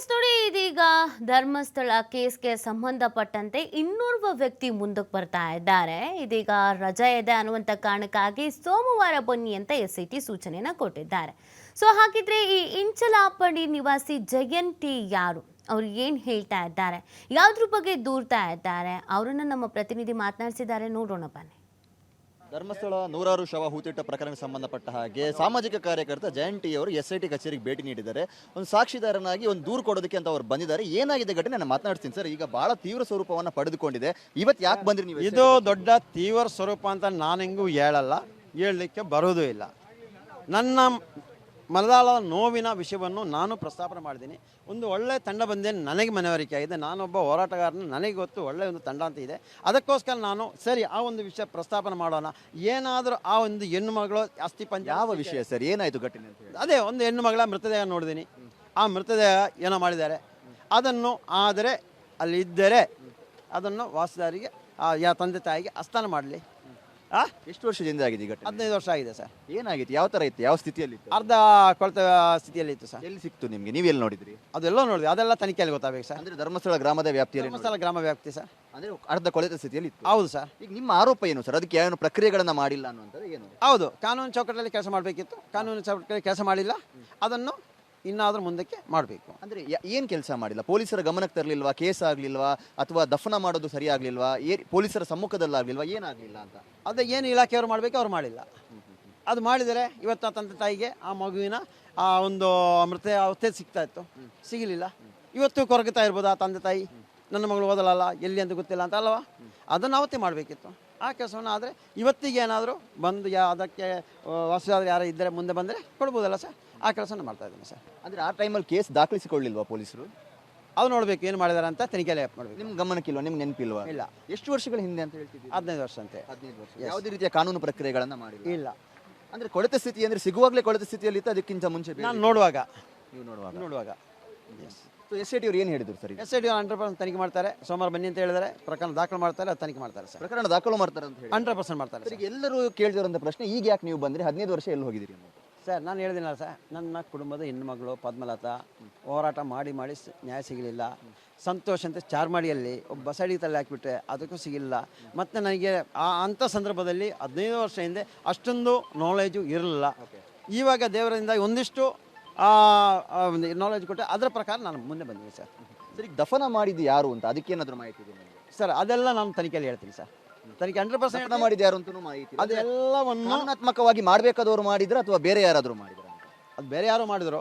S ನೋಡಿ, ಇದೀಗ ಧರ್ಮಸ್ಥಳ ಕೇಸ್ಗೆ ಸಂಬಂಧಪಟ್ಟಂತೆ ಇನ್ನೋರ್ವ ವ್ಯಕ್ತಿ ಮುಂದಕ್ಕೆ ಬರ್ತಾ ಇದ್ದಾರೆ. ಇದೀಗ ರಜೆ ಇದೆ ಅನ್ನುವಂಥ ಕಾರಣಕ್ಕಾಗಿ ಸೋಮವಾರ ಬನ್ನಿ ಅಂತ SIT ಸೂಚನೆಯನ್ನ ಕೊಟ್ಟಿದ್ದಾರೆ. ಸೊ ಹಾಗಿದ್ರೆ ಈ ಇಂಚಲಾಪಡಿ ನಿವಾಸಿ ಜಯಂತಿ ಯಾರು, ಅವ್ರು ಏನು ಹೇಳ್ತಾ ಇದ್ದಾರೆ, ಯಾವುದ್ರ ಬಗ್ಗೆ ದೂರ್ತಾ ಇದ್ದಾರೆ, ಅವರನ್ನ ನಮ್ಮ ಪ್ರತಿನಿಧಿ ಮಾತನಾಡಿಸಿದ್ದಾರೆ. ನೋಡೋಣ ಬನ್ನಿ. ಧರ್ಮಸ್ಥಳ ನೂರಾರು ಶವ ಹೂತಿಟ್ಟ ಪ್ರಕರಣಕ್ಕೆ ಸಂಬಂಧಪಟ್ಟ ಹಾಗೆ ಸಾಮಾಜಿಕ ಕಾರ್ಯಕರ್ತ ಜಯಂತಿ ಅವರು SIT ಕಚೇರಿಗೆ ಭೇಟಿ ನೀಡಿದ್ದಾರೆ. ಒಂದು ಸಾಕ್ಷಿದಾರನಾಗಿ ಒಂದು ದೂರು ಕೊಡೋದಕ್ಕೆ ಅಂತ ಅವ್ರು ಬಂದಿದ್ದಾರೆ. ಏನಾಗಿದೆ ಘಟನೆ ನಾನು ಮಾತನಾಡ್ತೀನಿ ಸರ್. ಈಗ ಬಹಳ ತೀವ್ರ ಸ್ವರೂಪವನ್ನು ಪಡೆದುಕೊಂಡಿದೆ. ಇವತ್ತು ಯಾಕೆ ಬಂದ್ರಿ ನೀವು? ಇದು ದೊಡ್ಡ ತೀವ್ರ ಸ್ವರೂಪ ಅಂತ ನಾನು ಹೆಂಗೂ ಹೇಳಲಿಕ್ಕೆ ಬರೋದು ಇಲ್ಲ. ನನ್ನ ಮನದಾಳದ ನೋವಿನ ವಿಷಯವನ್ನು ನಾನು ಪ್ರಸ್ತಾಪನೆ ಮಾಡಿದ್ದೀನಿ. ಒಂದು ಒಳ್ಳೆಯ ತಂಡ ಬಂದೇ ನನಗೆ ಮನವರಿಕೆ ಆಗಿದೆ. ನಾನೊಬ್ಬ ಹೋರಾಟಗಾರನ, ನನಗೆ ಗೊತ್ತು ಒಳ್ಳೆಯ ಒಂದು ತಂಡ ಅಂತ ಇದೆ. ಅದಕ್ಕೋಸ್ಕರ ನಾನು ಸರಿ ಆ ಒಂದು ವಿಷಯ ಪ್ರಸ್ತಾಪನೆ ಮಾಡೋಣ. ಏನಾದರೂ ಆ ಒಂದು ಹೆಣ್ಣು ಮಗಳು ಅಸ್ಥಿ ಪಂಜ ಯಾವ ವಿಷಯ ಸರ್, ಏನಾಯಿತು ಘಟನೆ ಅಂತ ಹೇಳಿ? ಅದೇ ಒಂದು ಹೆಣ್ಣು ಮಗಳ ಮೃತದೇಹ ನೋಡಿದ್ದೀನಿ. ಆ ಮೃತದೇಹ ಏನೋ ಮಾಡಿದ್ದಾರೆ, ಅದನ್ನು ಆದರೆ ಅಲ್ಲಿ ಇದ್ದರೆ ಅದನ್ನು ವಾಸದಾರಿಗೆ ತಂದೆ ತಾಯಿಗೆ ಹಸ್ತಾನ ಮಾಡಲಿ. ಎಷ್ಟು ವರ್ಷದಿಂದ ಆಗಿದೆ ಈ ಘಟನೆ? 15 ವರ್ಷ ಆಗಿದೆ ಸರ್. ಏನಾಗಿತ್ತು, ಯಾವ ಥರ ಇತ್ತು, ಯಾವ ಸ್ಥಿತಿಯಲ್ಲಿ ಇತ್ತು? ಅರ್ಧ ಕೊಳೆತ ಸ್ಥಿತಿಯಲ್ಲಿ ಇತ್ತು ಸರ್. ಎಲ್ಲಿ ಸಿಕ್ತು ನಿಮಗೆ, ನೀವೆಲ್ಲಿ ನೋಡಿದ್ರಿ? ಅದೆಲ್ಲ ನೋಡಿದ್ವಿ, ಅದೆಲ್ಲ ತನಿಖೆಯಲ್ಲಿ ಗೊತ್ತಾಗಬೇಕು ಸರ್. ಅಂದ್ರೆ ಧರ್ಮಸ್ಥಳ ಗ್ರಾಮದ ವ್ಯಾಪ್ತಿಯಲ್ಲಿ? ಧರ್ಮಸ್ಥಳ ಗ್ರಾಮ ವ್ಯಾಪ್ತಿ ಸರ್. ಅಂದ್ರೆ ಅರ್ಧ ಕೊಳೆತ ಸ್ಥಿತಿಯಲ್ಲಿ ಇತ್ತು? ಹೌದು ಸರ್. ಈಗ ನಿಮ್ಮ ಆರೋಪ ಏನು ಸರ್? ಅದಕ್ಕೆ ಏನು ಪ್ರಕ್ರಿಯೆಗಳನ್ನ ಮಾಡಿಲ್ಲ ಅನ್ನುವಂಥದ್ದು ಏನು? ಹೌದು, ಕಾನೂನು ಚೌಕಟ್ಟಲ್ಲಿ ಕೆಲಸ ಮಾಡಬೇಕಿತ್ತು, ಕಾನೂನು ಚೌಕಟ್ಟಲ್ಲಿ ಕೆಲಸ ಮಾಡಿಲ್ಲ. ಅದನ್ನು ಇನ್ನಾದರೂ ಮುಂದಕ್ಕೆ ಮಾಡಬೇಕು. ಅಂದ್ರೆ ಏನು ಕೆಲಸ ಮಾಡಿಲ್ಲ? ಪೊಲೀಸರ ಗಮನಕ್ಕೆ ತರಲಿಲ್ವಾ? ಕೇಸ್ ಆಗಲಿಲ್ವಾ? ಅಥವಾ ದಫನ ಮಾಡೋದು ಸರಿ ಆಗಲಿಲ್ವಾ? ಪೊಲೀಸರ ಸಮ್ಮುಖದಲ್ಲಾಗಲಿಲ್ವಾ? ಏನಾಗಲಿಲ್ಲ ಅಂತ? ಅದೇ ಏನು ಇಲಾಖೆಯವರು ಮಾಡಬೇಕು ಅವ್ರು ಮಾಡಿಲ್ಲ. ಅದು ಮಾಡಿದರೆ ಇವತ್ತು ಆ ತಂದೆ ತಾಯಿಗೆ ಆ ಮಗುವಿನ ಆ ಒಂದು ಮೃತ ಅವಸ್ಥೆ ಸಿಗ್ತಾ ಇತ್ತು, ಸಿಗಲಿಲ್ಲ. ಇವತ್ತು ಕೊರಗುತ್ತಾ ಇರ್ಬೋದು ಆ ತಂದೆ ತಾಯಿ, ನನ್ನ ಮಗಳು ಓದಲಲ್ಲ, ಎಲ್ಲಿ ಅಂತ ಗೊತ್ತಿಲ್ಲ ಅಂತ ಅಲ್ವಾ? ಅದನ್ನು ಅವತ್ತೇ ಮಾಡಬೇಕಿತ್ತು. ಆ ಕೆಲಸವನ್ನು ಆದರೆ ಇವತ್ತಿಗೆ ಏನಾದರೂ ಬಂದು ಅದಕ್ಕೆ ವಾಸದಾದ್ರೆ ಯಾರು ಇದ್ದರೆ ಮುಂದೆ ಬಂದರೆ ಕೊಡ್ಬೋದಲ್ಲ ಸರ್. ಆ ಕೆಲಸನ ಮಾಡ್ತಾ ಇದ್ದೀನಿ ಸರ್. ಅಂದರೆ ಆ ಟೈಮಲ್ಲಿ ಕೇಸ್ ದಾಖಲಿಸಿಕೊಳ್ಳಿಲ್ವಾ ಪೊಲೀಸರು? ಅದು ನೋಡಬೇಕು ಏನು ಮಾಡಿದ್ದಾರೆ ಅಂತ ತನಿಖೆಯಲ್ಲಿ ಮಾಡಬೇಕು. ನಿಮ್ಮ ಗಮನಕ್ಕಿಲ್ವಾ, ನಿಮ್ಗೆ ನೆನಪಿಲ್ವಾ? ಇಲ್ಲ. ಎಷ್ಟು ವರ್ಷಗಳ ಹಿಂದೆ ಅಂತ ಹೇಳ್ತಿದ್ದೀವಿ? 15 ವರ್ಷ ಅಂತೆ. 15 ವರ್ಷ. ಯಾವುದೇ ರೀತಿಯ ಕಾನೂನು ಪ್ರಕ್ರಿಯೆಗಳನ್ನು ಮಾಡಿಲ್ಲ? ಇಲ್ಲ. ಅಂದರೆ ಕೊಳೆತ ಸ್ಥಿತಿ ಅಂದರೆ ಸಿಗುವಾಗಲೇ ಕೊಳೆತ ಸ್ಥಿತಿಯಲ್ಲಿ ಇತ್ತು, ಅದಕ್ಕಿಂತ ಮುಂಚೆ ನಾನು ನೋಡುವಾಗ ಸೊ SIT ಅವರು ಏನು ಹೇಳಿದ್ರು ಸರ್? SIT 100% ತನಿಖೆ ಮಾಡ್ತಾರೆ. ಸೋಮವಾರ ಬನ್ನಿ ಅಂತ ಹೇಳಿದರೆ ಪ್ರಕರಣ ದಾಖಲು ಮಾಡ್ತಾರೆ, ಅದು ತನಿಖೆ ಮಾಡ್ತಾರೆ ಸರ್. ಪ್ರಕರಣ ದಾಖಲು ಮಾಡ್ತಾರೆ ಅಂತ ಹೇಳಿ 100% ಮಾಡ್ತಾರೆ ಸರ್. ಎಲ್ಲರೂ ಕೇಳಿದಿರೋಂಥ ಪ್ರಶ್ನೆ, ಈಗ ಯಾಕೆ ನೀವು ಬಂದ್ರಿ? 15 ವರ್ಷ ಎಲ್ಲಿ ಹೋಗಿದ್ದೀರಿ ಸರ್? ನಾನು ಹೇಳಿದಿನಲ್ಲ ಸರ್, ನನ್ನ ಕುಟುಂಬದ ಹೆಣ್ಣುಮಗಳು ಪದ್ಮಲತಾ ಹೋರಾಟ ಮಾಡಿ ನ್ಯಾಯ ಸಿಗಲಿಲ್ಲ. ಸಂತೋಷ್ ಅಂತ ಚಾರ್ಮಾಡಿಯಲ್ಲಿ ಒಬ್ಬ ಬಸಡಿ ತಲೆ ಹಾಕಿಬಿಟ್ರೆ ಅದಕ್ಕೂ ಸಿಗಲಿಲ್ಲ. ಮತ್ತು ನನಗೆ ಅಂಥ ಸಂದರ್ಭದಲ್ಲಿ 15 ವರ್ಷ ಹಿಂದೆ ಅಷ್ಟೊಂದು ನಾಲೆಜು ಇರಲಿಲ್ಲ. ಇವಾಗ ದೇವರಿಂದ ಒಂದಿಷ್ಟು ನಾಲೆಜ್ ಕೊಟ್ಟೆ, ಅದರ ಪ್ರಕಾರ ನಾನು ಮುಂದೆ ಬಂದಿದ್ದೀನಿ ಸರ್. ಸರ್, ಈಗ ದಫನ ಮಾಡಿದ್ದು ಯಾರು ಅಂತ ಅದಕ್ಕೇನಾದರೂ ಮಾಹಿತಿ ಇದೆ ಸರ್? ಅದೆಲ್ಲ ನಾನು ತನಿಖೆಯಲ್ಲಿ ಹೇಳ್ತೀನಿ ಸರ್. ತನಿಖೆ 100% ಮಾಡಿದ್ದು ಯಾರು ಅಂತಲೂ ಮಾಹಿತಿ? ಅದೆಲ್ಲವನ್ನು ಕಾನೂನಾತ್ಮಕವಾಗಿ ಮಾಡಬೇಕಾದವರು ಮಾಡಿದ್ರೆ ಅಥವಾ ಬೇರೆ ಯಾರಾದರೂ ಮಾಡಿದ್ರು? ಅದು ಬೇರೆ ಯಾರು ಮಾಡಿದ್ರು,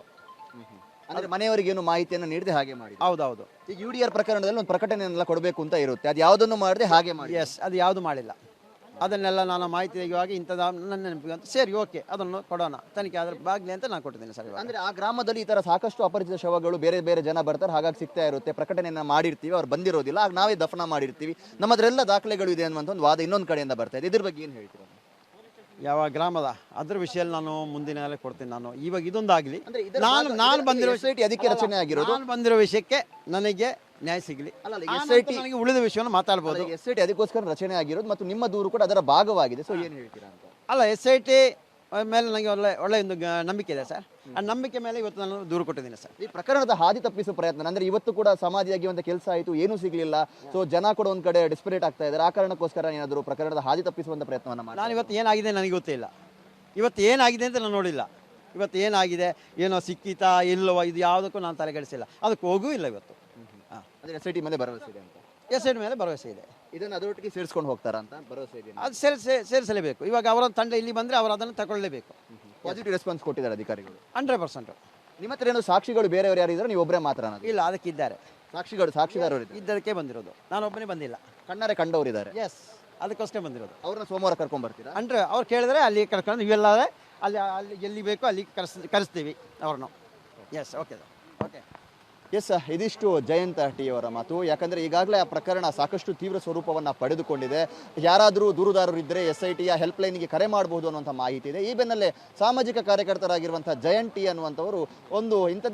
ಅಂದರೆ ಮನೆಯವರಿಗೇನು ಮಾಹಿತಿಯನ್ನು ನೀಡದೆ ಹಾಗೆ ಮಾಡಿ? ಹೌದೌದು. ಈಗ UDR ಪ್ರಕರಣದಲ್ಲಿ ಒಂದು ಪ್ರಕಟಣೆಯನ್ನೆಲ್ಲ ಕೊಡಬೇಕು ಅಂತ ಇರುತ್ತೆ, ಅದು ಯಾವುದನ್ನು ಮಾಡದೆ ಹಾಗೆ ಮಾಡಿ? ಎಸ್, ಅದು ಯಾವುದು ಮಾಡಿಲ್ಲ. ಅದನ್ನೆಲ್ಲ ನಾನು ಮಾಹಿತಿ ತೆಗೆಯುವಾಗ ಇಂಥದ್ದು ನನ್ನ ನೆನಪಿಗೆ ಅಂತ ಸರಿ ಓಕೆ ಅದನ್ನು ಕೊಡೋಣ, ತನಿಖೆ ಆದ್ರೆ ಬಾಗ್ಲಿ ಅಂತ ನಾನು ಕೊಟ್ಟಿದ್ದೀನಿ ಸರ್. ಅಂದರೆ ಆ ಗ್ರಾಮದಲ್ಲಿ ಈ ಥರ ಸಾಕಷ್ಟು ಅಪರಿಚಿತ ಶವಗಳು ಬೇರೆ ಬೇರೆ ಜನ ಬರ್ತಾರೆ, ಹಾಗಾಗಿ ಸಿಗ್ತಾ ಇರುತ್ತೆ, ಪ್ರಕಟಣೆಯನ್ನು ಮಾಡಿರ್ತೀವಿ, ಅವ್ರು ಬಂದಿರೋದಿಲ್ಲ, ಆಗ ನಾವೇ ದಫನ ಮಾಡಿರ್ತೀವಿ, ನಮ್ಮದ್ರೆಲ್ಲ ದಾಖಲೆಗಳು ಇದೆ ಅನ್ನುವಂಥ ಒಂದು ವಾದ ಇನ್ನೊಂದು ಕಡೆಯಿಂದ ಬರ್ತಾ ಇದೆ. ಇದ್ರ ಬಗ್ಗೆ ಏನು ಹೇಳ್ತೀರಾ? ಯಾವ ಗ್ರಾಮದ ಅದ್ರ ವಿಷಯದಲ್ಲಿ ನಾನು ಮುಂದಿನ ಕೊಡ್ತೀನಿ. ನಾನು ಇವಾಗ ಇದೊಂದಾಗಲಿ, ನಾನು ಬಂದಿರೋ SIT ಅದಕ್ಕೆ ರಚನೆ ಆಗಿರೋದು. ನಾನು ಬಂದಿರೋ ವಿಷಯಕ್ಕೆ ನನಗೆ ನ್ಯಾಯ ಸಿಗಲಿ, ನನಗೆ ಉಳಿದ ವಿಷಯವನ್ನು ಮಾತಾಡ್ಬೋದು. SIT ಅದಕ್ಕೋಸ್ಕರ ರಚನೆ ಆಗಿರೋದು ಮತ್ತು ನಿಮ್ಮ ದೂರು ಕೂಡ ಅದರ ಭಾಗವಾಗಿದೆ. ಸೊ ಏನು ಹೇಳ್ತೀರಾ ಅಂತ? ಅಲ್ಲ, SIT ಮೇಲೆ ನನಗೆ ಒಳ್ಳೆ ಒಂದು ನಂಬಿಕೆ ಇದೆ ಸರ್. ಆ ನಂಬಿಕೆ ಮೇಲೆ ಇವತ್ತು ನಾನು ದೂರು ಕೊಟ್ಟಿದ್ದೀನಿ ಸರ್. ಈ ಪ್ರಕರಣದ ಹಾದಿ ತಪ್ಪಿಸುವ ಪ್ರಯತ್ನ ಅಂದರೆ ಇವತ್ತು ಕೂಡ ಸಮಾಧಿಯಾಗಿರುವಂಥ ಕೆಲಸ ಆಯಿತು, ಏನೂ ಸಿಗಲಿಲ್ಲ. ಸೊ ಜನ ಕೂಡ ಒಂದು ಕಡೆ ಡಿಸ್ಪರೇಟ್ ಆಗ್ತಾ ಇದ್ದಾರೆ. ಆ ಕಾರಣಕ್ಕೋಸ್ಕರ ಏನಾದರೂ ಪ್ರಕರಣದ ಹಾದಿ ತಪ್ಪಿಸುವಂಥ ಪ್ರಯತ್ನವನ್ನು ಮಾಡಿ? ನಾನು ಇವತ್ತು ಏನಾಗಿದೆ ನನಗೆ ಗೊತ್ತಿಲ್ಲ. ಇವತ್ತು ಏನಾಗಿದೆ ಅಂತ ನಾನು ನೋಡಿಲ್ಲ. ಇವತ್ತು ಏನಾಗಿದೆ, ಏನೋ ಸಿಕ್ಕಿತಾ ಇಲ್ಲವೋ, ಇದು ಯಾವುದಕ್ಕೂ ನಾನು ತಲೆಗೆಡಿಸಿಲ್ಲ, ಅದಕ್ಕೆ ಹೋಗೂ ಇಲ್ಲ ಇವತ್ತು. ಅಂದರೆ SIT ಮೇಲೆ ಭರವಸೆ ಇದೆ ಅಂತ? SIT ಮೇಲೆ ಭರವಸೆ ಇದೆ. ಇದನ್ನು ಅದರೊಟ್ಟಿಗೆ ಸೇರಿಸ್ಕೊಂಡು ಹೋಗ್ತಾರಾ ಅಂತ ಭರವಸೆ ಇದೆ? ಅದು ಸೇರಿಸಲೇಬೇಕು. ಇವಾಗ ಅವರ ತಂಡ ಇಲ್ಲಿ ಬಂದರೆ ಅವರು ಅದನ್ನು ತಗೊಳ್ಳಲೇಬೇಕು. ಪಾಸಿಟಿವ್ ರೆಸ್ಪಾನ್ಸ್ ಕೊಟ್ಟಿದ್ದಾರೆ ಅಧಿಕಾರಿಗಳು? 100%. ನಿಮ್ಮ ಹತ್ರ ಏನೋ ಸಾಕ್ಷಿಗಳು ಬೇರೆಯವರು ಯಾರು ಇದ್ದಾರೆ, ನೀವು ಒಬ್ಬರೇ ಮಾತ್ರ? ಇಲ್ಲ, ಅದಕ್ಕಿದ್ದಾರೆ ಸಾಕ್ಷಿದಾರರು ಇದ್ದದಕ್ಕೆ ಬಂದಿರೋದು, ನಾನು ಒಬ್ಬನೇ ಬಂದಿಲ್ಲ. ಕಣ್ಣಾರೆ ಕಂಡವರಿದ್ದಾರೆ? ಎಸ್, ಅದಕ್ಕೋಸ್ಕರ ಬಂದಿರೋದು. ಅವ್ರನ್ನ ಸೋಮವಾರ ಕರ್ಕೊಂಡ್ ಬರ್ತೀರಾ? ಅವ್ರು ಕೇಳಿದ್ರೆ ಅಲ್ಲಿ ಕರ್ಕೊಂಡು ಇವೆಲ್ಲವೇ ಅಲ್ಲಿ ಎಲ್ಲಿ ಬೇಕೋ ಅಲ್ಲಿ ಕರೆಸ್ತೀವಿ ಅವ್ರನ್ನು. S, okay okay. ಎಸ್, ಇದಿಷ್ಟು ಜಯಂತ ಟಿ ಅವರ ಮಾತು. ಯಾಕಂದರೆ ಈಗಾಗಲೇ ಆ ಪ್ರಕರಣ ಸಾಕಷ್ಟು ತೀವ್ರ ಸ್ವರೂಪವನ್ನು ಪಡೆದುಕೊಂಡಿದೆ. ಯಾರಾದರೂ ದೂರುದಾರರು ಇದ್ದರೆ SITಯ ಹೆಲ್ಪ್ಲೈನ್ಗೆ ಕರೆ ಮಾಡಬಹುದು ಅನ್ನುವಂಥ ಮಾಹಿತಿ ಇದೆ. ಈ ಬೆನ್ನಲ್ಲೇ ಸಾಮಾಜಿಕ ಕಾರ್ಯಕರ್ತರಾಗಿರುವಂಥ ಜಯಂತಿ ಅನ್ನುವಂಥವರು ಒಂದು ಇಂಥ